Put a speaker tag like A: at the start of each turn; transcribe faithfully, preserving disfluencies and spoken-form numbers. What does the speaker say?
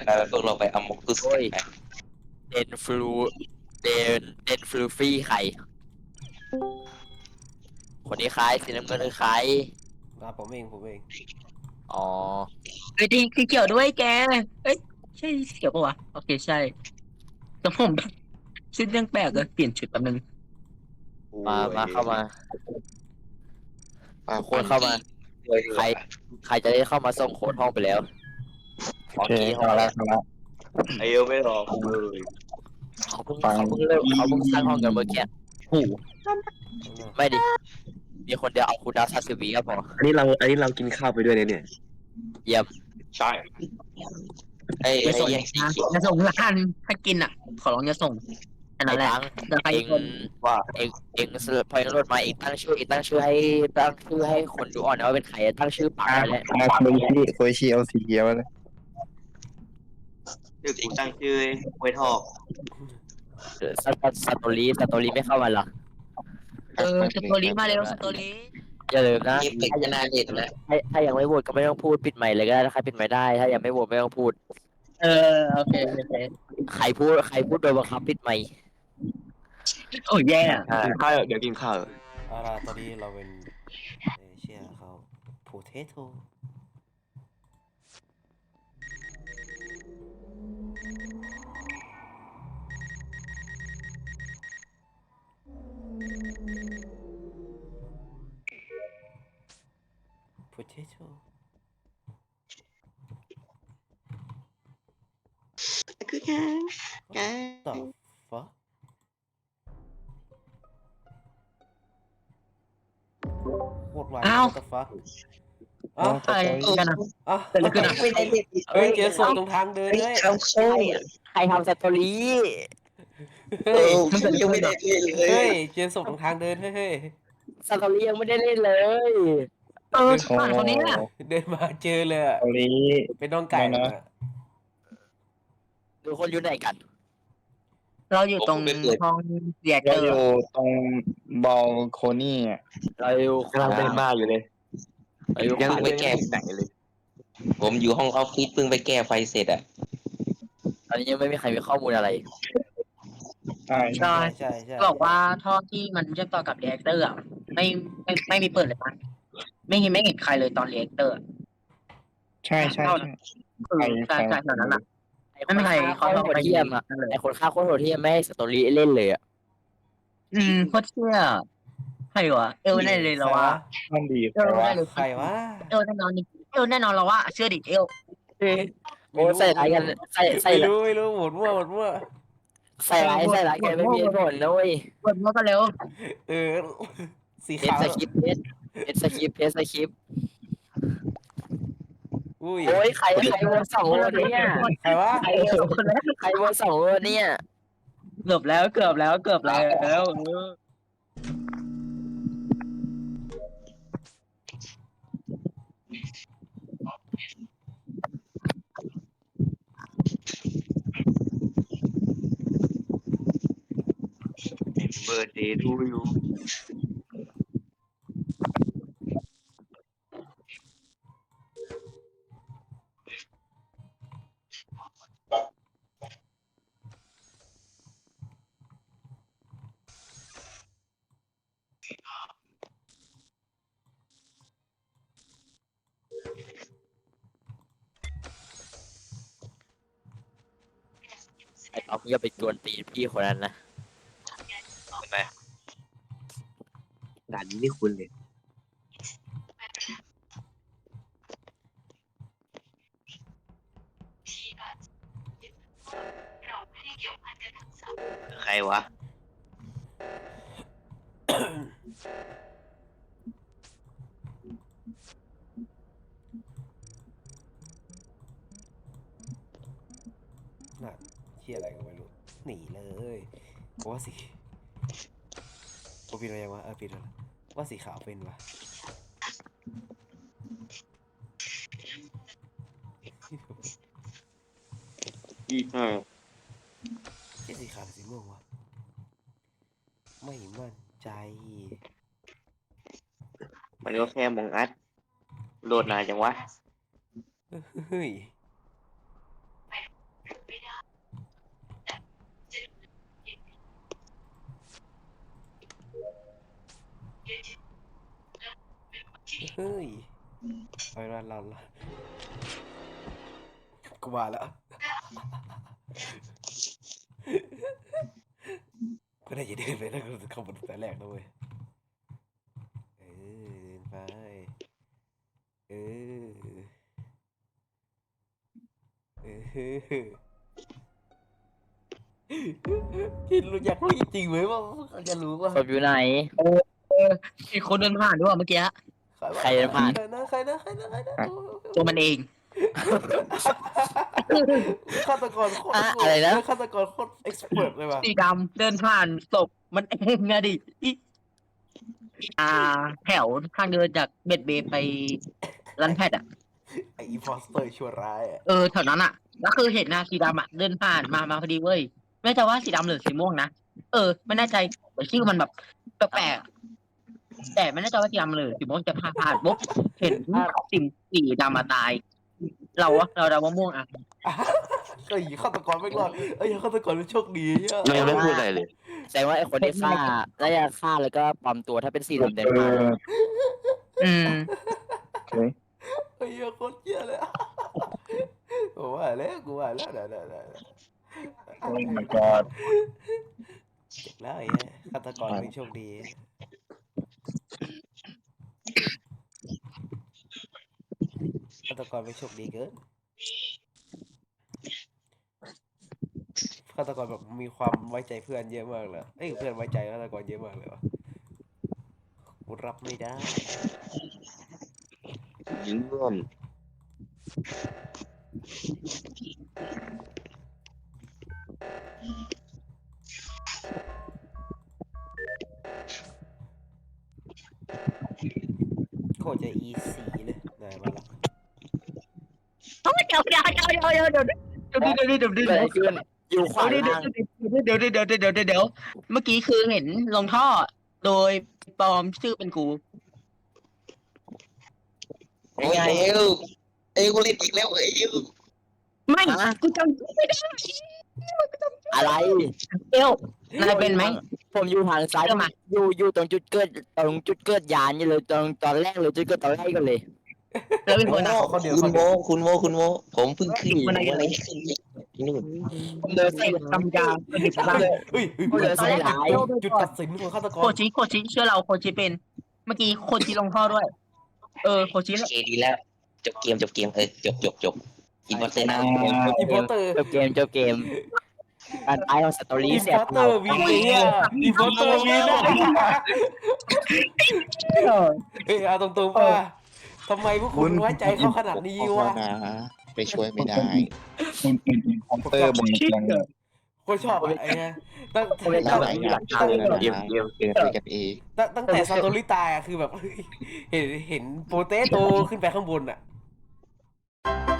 A: ไปพวกเราไปอมอกตุสกันไป
B: เดนฟลูเดนเดนฟลูฟี่ใครคนนี้ใครสีน้ำเงินคือใคร
C: อ่ะผมเองผมเอง
B: อ๋อ
D: เฮ้ยจริงคือเกี่ยวด้วยแกเอ้ยใช่เกี่ยวปะวะโอเคใช่แต่ผมแบบชุดเรื่องแปลกเลยเปลี่ยนชุดแป๊บนึง
B: มามาเข้ามา
A: ป้า
B: ทุกคนเข้ามา ใครใครจะได้เข้ามาส่งโค้ดห้องไปแล้ว
E: โอเคเอาละเอาละ
A: ไอเอลไม่รอกูเลย
B: เขาเพิ่งเขาเพิ่งเริ่มเขาเพิ่งสร้างห้องกันเมื่อกี้
D: โอ้โห
B: ไม่ดิมีคนเดียวเอาคูดาวซาสึบิก็พอ
E: อันนี้เราอันนี้เรากินข้าวไปด้วยเนี่ย
B: เยี่ยม
A: ใช่ไอ้
D: อย่า
A: ไอ้
D: ส่ง
A: ยังสี
D: นะ
A: เขียว
D: อย่าส่งละกันถ้ากินอ่ะ ขอร้องอย่าส่งอัน
B: ไอ้
D: นั้นแหละ
B: ตัง
D: แต่ใคร
B: เอง
D: คน
A: ว่า
B: เองเองสพอยนรถมาเองตั้งชื่อเองตั้งชื่อให้ตั้งชื่อให้คนดูอ่อนนะว่าเป็นใครตั้งชื่อปาก
E: อ่า
B: ไปแล้ว
E: อ่าโคชิโคชิเอาสีเขียวเลย
A: ชื่อเองตั้งชื่อไว้ทอก
B: สตสตอรี่สตอรี่ไม่เข้ามาหรอ
D: เออสตอรี่มาเร็วสตอรี่
B: อย่าลืมนะ
A: เอฟเฟกต์จะน่าเด็ดนะ
B: ถ้าถ้ายังไม่โหวตก็ไม่ต้องพูดปิดใหม่เลยก็ได้ถ้าใครปิดใหม่ได้ ถ้ายังไม่โหวตไม่ต้องพูด
D: เออโอเคโอเค
B: ใครพูดใครพูดโดยบังคับปิดใหม่
D: โอ้ยแย่อะ
A: กินข้าวเดี๋ยวกินข้าว
C: เอาล่ะตอนนี้เราเป็นเอเชียเขาโพเทโตโพเทโต
A: คือแค่แก
C: ต่อฟักโคตรไว what the fuck อ้าว
D: อะไรกันนะ
C: อ้าว
D: เกิดอะไรขึ้นอะ
A: ไม่ได้เด็ด
C: เฮ้ยเจอศพตรงทางเดินเลย
A: เอาโซ่
B: ใครทำสตอรี่
A: เอ
C: เฮ้ย
A: อมันยังไม่ได้เล่นเล
C: เฮ้
A: ย
C: ยเจอศพตรงทางเดินเฮ้ยเฮ้ย
B: สตอรี่ยังไม่ได้เล่นเลย
D: เออผ่านคนนี้น่ะ
C: เดินมาเจอเลยอะ
E: โคชิ
C: เป็นน้องไก่
E: ไม่นะ
C: อะ
B: ทุกคนอยู่ไหนกัน
D: เราอยู่ตรงห้องเรียกเต
E: เรา
D: อ
E: อยู่
D: ร์
E: ตรงบอลโคนี่อ่ะ
B: เราอยู่
A: กำลังเดินมาอยู่เลย
B: เราอยู่
A: ยัง
B: ขวา
A: ไม่แก้ไหนเลย ผมอยู่ห้องออฟฟิศเพิ่งไปแก้ไฟเสร็จอ่ะ
B: ตอนนี้ยังไม่มีใครมีข้อมูลอะไร
E: ใช่
D: ใช่
C: ใช่ใช่
D: บอกว่าท่อที่มันเชื่อมต่อกับเรียกเตอร์อ่ะไม่ไม่ไม่มีเปิดเลยนะไม่เห็นไม่เห็นใครเลยตอนเรียกเตอร์
E: ใช่ใช่ใช่
D: คือใช่ใช่ตอนนั้นอ่ะ ไม่มีใคร
B: เขาโหดเทียมอ่ะไอคนฆ่าโคตรโหดเทียมไม่ให้สตอรี่เล่นเลยอ่ะ
D: อืมโคตรเชื่อใครวะเอลแน่เลยเราว่า
E: มันดี
D: เอล
E: แต่ว่า
D: แน่เลย
C: ใครวะ
D: เอลแน่นอนนี่เอลแน่นอนเราว่าเชื่อดิเอล
B: โอ้ใส่ร้ายกันใส่ใส่
C: ไม่รู้ไม่รู้หมดมั่วหมดมั่ว
B: ใส่ร้ายใส่ร้ายกันไม่มีเหตุผลนะเว้ย
D: กดมาก็เร็ว
C: เออสี
B: เพช
C: ขาร ว
B: สคริปต์เพชรเพชรสคริปต์เพชรสคริปต์
C: อุ้ย
B: โอ้ยใครใครวนสองวนเนี่ย
C: ใครวะ
D: ใครเอลคนแรก
B: ใครวนสองวนเนี่ย
D: เกือบแล้วเกือบแล้วเกือบแล้วเออ
A: เบอร์เดย์ทูยู
B: ไอ้เอาอย่าไปกวนตีนพี่คนนั้นนะ
A: เห็นไหมด่านนี้นี่คุณเลย ใครวะ
C: น่ะเชี่ยอะไรก็ไม่รู้หนีเลยเพราะว่าสีโอปิดอะไรยังวะเออปิดแล้วว่าสีขาวเป็นวะ
A: ยี่ห้า
C: เชี่ยสีขาวหรือสีม่วงวะไม่มั่นใจ
A: มันก็แค่มองอัดโหลดนานจังวะ
C: เฮ้ยเฮ้ยไปร้านเราละกูมาแล้วก็ได้จะเดินไปแล้วก็เข้าบนแต่แรกนะเว้ยเออเดินไปเออเออคิดรู้อยากรู้จริงๆไหมว่าเขาจะรู้ว่า
B: ศพอยู่ไหน
D: อีกคนเดินผ่านด้วยเมื่อกี้
B: ใครเดินผ่าน
C: ใครนะใครนะใครนะใครนะ
D: ตัวมันเอง
C: ฆาตกรโคตร
B: อะอะไรนะ
C: ฆาตกรโคตรเอ็กซ์เพรสเลยว่ะ
D: สีดำเดินผ่านศพมันเองอะดิอีอ่า แถวทางเดินจากเบ็ดเบย์ไปรันแพทอ่ะ
C: ไออีพอสเตอร์ชั่วร้ายอ่ะ
D: เออแถวนั้นอ่ะก็คือเห็นนะสีดำอ่ะเดินผ่านมามาพอดีเว้ยไม่แต่ว่าสีดำหรือสีม่วงนะเออไม่แน่ใจแต่ชื่อมันแบบแปลกๆแต่ไม่แน่ใจว่าสีดำหรือสีม่วงจะผ่านผ่านปุ๊บเห็นสีสีดำมาตาย เราวะเราเดาว่าม่วงอ่ะ
C: เอ้ยฆาตกรไม่รอดเอ้ยฆาตกรเป็นโชคดีอ่ะ
A: ไม่ไม่พูดอะไรเลย
B: แสดงว่าไอ้คนที่ฆ่าน่าจะฆ่าแล้วก็ปลอมตัวถ้าเป็นสีดำเดิน
E: เอ
B: ผ่าน
E: อ
D: อืม
E: เฮ้ย
C: ไอ้เหี้ยโคตรเหี้ยเลยอะกูว่าแล้วกูว่าแล้วเดี๋ยวเดี๋ยวเดี๋ยวเดี๋ยว
E: โอ้ my god
C: เจ็บแล้วไอ้เหี้ยฆาตกรเป็นโชคดีฆาตกรเป็นโชคดีเกินฆาตกรแบบมีความไว้ใจเพื่อนเยอะมากเลยเอ้ยเพื่อนไว้ใจฆาตกรเยอะมากเลยวะกูรับไม่ได้
A: เยี่ยม
C: โคตรจะอีซีเลยได้มาละ
D: เดี๋ยวเดี๋ยวเดี๋ยวเดี๋ยวเดี๋ยวเดี๋ยวเดี๋ยวเดี๋ยวเดี๋ยวเดี๋ยว
B: เกิด
D: เดี๋
B: อะไร
D: ยว
B: ขึ้นอยู่ขวา
D: เดี๋ยว
B: ล่าง
D: เดี๋ยวเดี๋ยวเดี๋ยวเดี๋ยวเดี๋ยวเดี๋ยวเดี๋ยวเมื่อกี้คือเห็นลงท่อ โดยปลอมชื่อเป็นกู
A: ไอ้ไงเอวเอ้ยกูเล่นอีกแล้วเอ้ย
D: ไม่กูจำไม่ได้
B: อะไร
D: เอวนายเป็นไหม
B: ผมอยู่ทางซ้าย
D: เริ่มมา
B: อยู่อยู่ตรงจุดเกิดตรงจุดเกิดยานนี่เลยตรงตอนแรกเลยจุดเกิดตอนแรกกันเลย
D: แล้วเป็นคนอ่ะ
A: คุณโมคุณโมคุณโมผมเพิ่งขึ้นผมอะไรขึ้นที่นู่น
B: ผมเดิน
D: ใส่
B: ใส่
D: ตำยาเป็นเด็กบ้า
C: เฮ้ยเฮ้ย
B: ผมเดินใส่หลาย
C: จุดตัดสินของฆาตก
D: โค
C: ร
D: ชิโคชิเชื่อเราโคชิเป็น เมื่อกี้โคชิลงท่อด้วย เออโคชิ
A: โอเคดีแล้ว จบเกมจบเกมเออจบจบจบอินพอร์เตอร์นะ
C: อินพอร์เตอร์
B: จบเกมจบเกมการตายของสตอรี่
C: อิน
B: เสี
C: พ
B: ย
C: อร์เตอร์วินเนี่ยอินพอร์เตอร์วินอะเอ้ยเอาตรงๆป่ะทำไมพวกคุณไว้ใจเขาขนาดนี้วะ
F: ไปช่วยไม่ได้
E: คุณเป็นคอมเตอร์บนเตียง
C: คนชอบอะไอ้เนี่ยตั้ง
B: ผมเลย
F: ห
B: ชอบ
F: ลายอ
B: ห
F: ย่า
B: ลั
F: ง
B: กฐาน
F: เกินนะ
A: เกมเกมเกม
F: เกินไปกันเอง
C: ตั้งตั้งแต่ซาโตริตายอะคือแบบเฮ้ยเห็นเห็นโปเตโตขึ้นไปข้างบนอะ